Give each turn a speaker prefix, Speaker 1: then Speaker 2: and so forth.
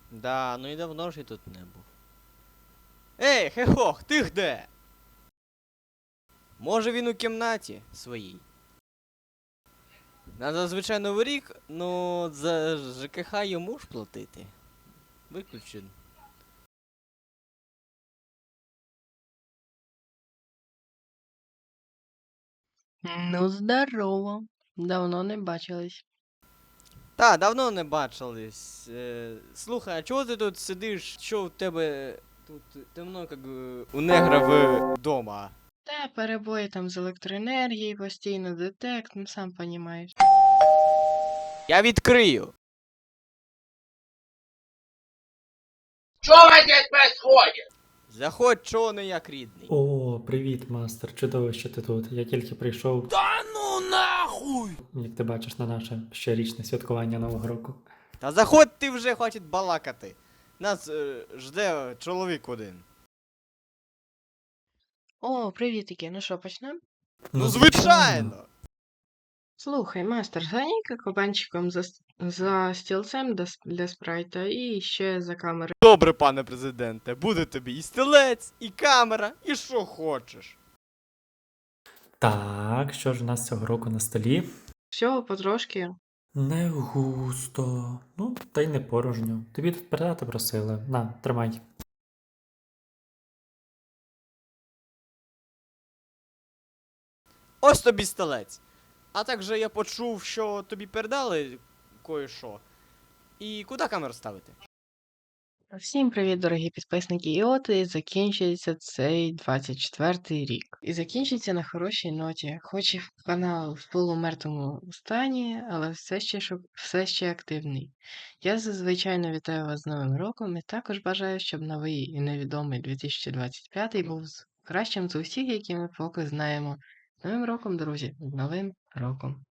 Speaker 1: Да, ну і давно ж я тут не був. Ей, хехох, ти де? Може він у кімнаті своїй. На зазвичай Новий рік, ну за ЖКХ йому ж платити. Виключен.
Speaker 2: Ну, здорово. Давно не бачились.
Speaker 1: Та, давно не бачились. Слухай, а чого ти тут сидиш? Що у тебе тут темно, як у негра вдома?
Speaker 2: Та перебої там з електроенергією, постійно детект, ну сам понімаєш.
Speaker 1: Я відкрию.
Speaker 3: Что у вас здесь происходит?
Speaker 1: Заходь, чого не як рідний.
Speaker 4: О, привіт, мастер. Чудово, що ти тут. Я тільки прийшов,
Speaker 3: Да ну нахуй!
Speaker 4: як ти бачиш, на наше щорічне святкування Нового року.
Speaker 1: Та заходь ти вже хватить балакати. Нас жде чоловік один.
Speaker 2: О, привітики, ну що, почнемо?
Speaker 1: Ну, звичайно!
Speaker 2: Слухай, мастер, зганяй-ка кабанчиком за стілцем для спрайта і ще за камерою.
Speaker 1: Добре, пане президенте, буде тобі і стілець, і камера, і що хочеш.
Speaker 4: Так, що ж у нас цього року на столі?
Speaker 2: Всього потрошки.
Speaker 4: Не густо. Ну, та й не порожньо. Тобі тут передати просили. На, тримай.
Speaker 1: Ось тобі стілець. А також я почув, що тобі передали кое-що. І куди камеру ставити?
Speaker 2: Всім привіт, дорогі підписники. І от і закінчується цей 24-й рік. І закінчиться на хорошій ноті. Хоч і канал в полумертвому стані, але все ще активний. Я зазвичай вітаю вас з Новим роком і також бажаю, щоб новий і невідомий 2025 був кращим з усіх, які ми поки знаємо. З Новим роком, друзі! З Новим роком!